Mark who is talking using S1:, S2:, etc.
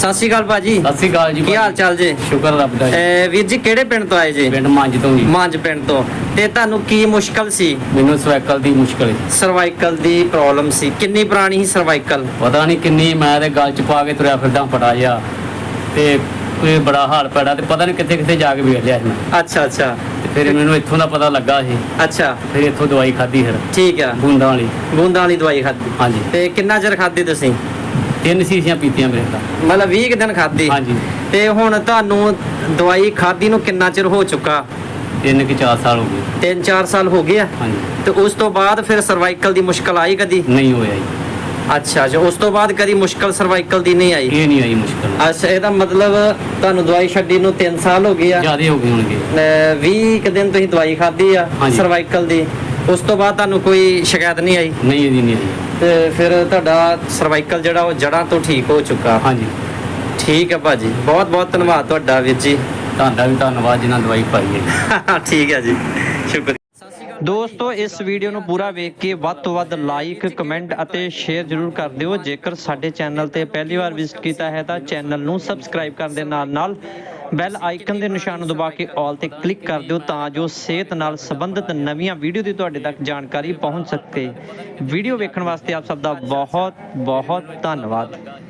S1: ਸਤਿ ਸ਼੍ਰੀ ਅਕਾਲ ਭਾਜੀ।
S2: ਸਤਿ ਸ਼੍ਰੀ ਅਕਾਲ ਜੀ।
S1: ਕੀ ਹਾਲ ਚਾਲ ਜੀ?
S2: ਸ਼ੁਕਰ ਰੱਬ ਦਾ ਜੀ।
S1: ਵੀਰ ਜੀ ਕਿਹੜੇ ਪਿੰਡ ਤੋਂ ਆਏ ਜੀ?
S2: ਪਿੰਡ ਮੰਜ ਤੋਂ ਜੀ।
S1: ਮੰਜ ਪਿੰਡ ਤੋਂ। ਤੇ ਤੁਹਾਨੂੰ ਕੀ ਮੁਸ਼ਕਲ ਸੀ?
S2: ਮੈਨੂੰ ਸਰਵਾਈਕਲ ਦੀ ਮੁਸ਼ਕਲ ਹੈ।
S1: ਸਰਵਾਈਕਲ ਦੀ ਪ੍ਰੋਬਲਮ ਸੀ। ਕਿੰਨੀ ਪੁਰਾਣੀ ਸੀ ਸਰਵਾਈਕਲ?
S2: ਪਤਾ ਨਹੀਂ ਕਿੰਨੀ, ਮੈਂ ਤੇ ਗਲ ਚ ਪਾ ਕੇ ਤੁਰਿਆ ਫਿਰਦਾ ਫਟਾ ਜਿਹਾ ਤੇ ਕੋਈ ਬੜਾ ਹਾਲ ਪੈੜਾ ਤੇ ਪਤਾ ਨਹੀਂ ਕਿੱਥੇ ਕਿੱਥੇ ਜਾ ਕੇ ਵੇਖ ਲਿਆ ਸੀ ਮੈਂ।
S1: ਅੱਛਾ ਅੱਛਾ।
S2: ਤੇ ਫਿਰ ਮੈਨੂੰ ਇੱਥੋਂ ਦਾ ਪਤਾ ਲੱਗਾ ਸੀ।
S1: ਅੱਛਾ।
S2: ਫਿਰ ਇੱਥੋਂ ਦਵਾਈ ਖਾਧੀ ਫਿਰ
S1: ਠੀਕ ਆ।
S2: ਬੂੰਦਾਂ ਵਾਲੀ।
S1: ਬੂੰਦਾਂ ਵਾਲੀ ਦਵਾਈ ਖਾਧੀ?
S2: ਹਾਂਜੀ।
S1: ਤੇ ਕਿੰਨਾ ਚਿਰ ਖਾਧੀ ਤੁਸੀਂ?
S2: 3 ਸ਼ੀਸ਼ੀਆਂ ਪੀਤੀਆਂ ਮੇਰੇ ਤਾਂ।
S1: ਮਤਲਬ 20 ਕੁ ਦਿਨ ਖਾਧੀ?
S2: ਹਾਂਜੀ।
S1: ਤੇ ਹੁਣ ਤੁਹਾਨੂੰ ਦਵਾਈ ਖਾਧੀ ਨੂੰ ਕਿੰਨਾ ਚਿਰ ਹੋ ਚੁੱਕਾ?
S2: 3 ਕਿ 4 ਸਾਲ ਹੋ ਗਏ।
S1: 3-4 ਸਾਲ ਹੋ ਗਏ ਆ?
S2: ਹਾਂਜੀ।
S1: ਤੇ ਉਸ ਤੋਂ ਬਾਅਦ ਫਿਰ ਸਰਵਾਈਕਲ ਦੀ ਮੁਸ਼ਕਲ ਆਈ ਕਦੀ?
S2: ਨਹੀਂ ਹੋਇਆ ਜੀ।
S1: ਅੱਛਾ ਜੀ। ਉਸ ਤੋਂ ਬਾਅਦ ਕਦੀ ਮੁਸ਼ਕਲ ਸਰਵਾਈਕਲ ਦੀ ਨਹੀਂ ਆਈ?
S2: ਇਹ ਨਹੀਂ ਆਈ ਮੁਸ਼ਕਲ।
S1: ਅੱਛਾ, ਇਹਦਾ ਮਤਲਬ ਤੁਹਾਨੂੰ ਦਵਾਈ ਛੱਡੀ ਨੂੰ 3 ਸਾਲ ਹੋ ਗਏ ਆ।
S2: ਜ਼ਿਆਦੇ ਹੋ ਗਏ ਹੋਣਗੇ।
S1: 20 ਕੁ ਦਿਨ ਤੁਸੀਂ ਦਵਾਈ ਖਾਧੀ ਆ
S2: ਹਾਂਜੀ।
S1: ਸਰਵਾਈਕਲ ਦੀ। ਉਸ ਤੋਂ ਬਾਅਦ ਤੁਹਾਨੂੰ ਕੋਈ ਸ਼ਿਕਾਇਤ ਨਹੀਂ ਆਈ?
S2: ਨਹੀਂ, ਇਹਦੀ ਨਹੀਂ ਆਈ।
S1: ਤੇ ਫਿਰ ਤੁਹਾਡਾ ਸਰਵਾਈਕਲ ਜਿਹੜਾ ਉਹ ਜੜ੍ਹਾਂ ਤੋਂ ਠੀਕ ਹੋ ਚੁੱਕਾ?
S2: ਹਾਂਜੀ।
S1: ਠੀਕ ਹੈ ਭਾਜੀ, ਬਹੁਤ ਬਹੁਤ ਧੰਨਵਾਦ ਤੁਹਾਡਾ ਵੀਰ ਜੀ।
S2: ਤੁਹਾਡਾ ਵੀ ਧੰਨਵਾਦ ਜਿਨ੍ਹਾਂ ਦਵਾਈ ਪਾਈ ਹੈ।
S1: ਠੀਕ ਹੈ ਜੀ, ਸ਼ੁਕਰੀਆ। ਦੋਸਤੋ, ਇਸ ਵੀਡੀਓ ਨੂੰ ਪੂਰਾ ਵੇਖ ਕੇ ਵੱਧ ਤੋਂ ਵੱਧ ਲਾਈਕ, ਕਮੈਂਟ ਅਤੇ ਸ਼ੇਅਰ ਜ਼ਰੂਰ ਕਰ ਦਿਓ। ਜੇਕਰ ਸਾਡੇ ਚੈਨਲ ਤੇ ਪਹਿਲੀ ਵਾਰ ਵਿਜ਼ਿਟ ਕੀਤਾ ਹੈ ਤਾਂ ਚੈਨਲ ਨੂੰ ਸਬਸਕ੍ਰਾਈਬ ਕਰਨ ਦੇ ਨਾਲ ਨਾਲ ਬੈਲ ਆਈਕਨ ਦੇ ਨਿਸ਼ਾਨ ਨੂੰ ਦਬਾ ਕੇ ਆਲ ਤੇ ਕਲਿੱਕ ਕਰ ਦਿਓ ਤਾਂ ਜੋ ਸਿਹਤ ਨਾਲ ਸੰਬੰਧਿਤ ਨਵੀਆਂ ਵੀਡੀਓ ਦੀ ਤੁਹਾਡੇ ਤੱਕ ਜਾਣਕਾਰੀ ਪਹੁੰਚ ਸਕੇ। ਵੀਡੀਓ ਵੇਖਣ ਵਾਸਤੇ ਆਪ ਸਭ ਦਾ ਬਹੁਤ ਬਹੁਤ ਧੰਨਵਾਦ।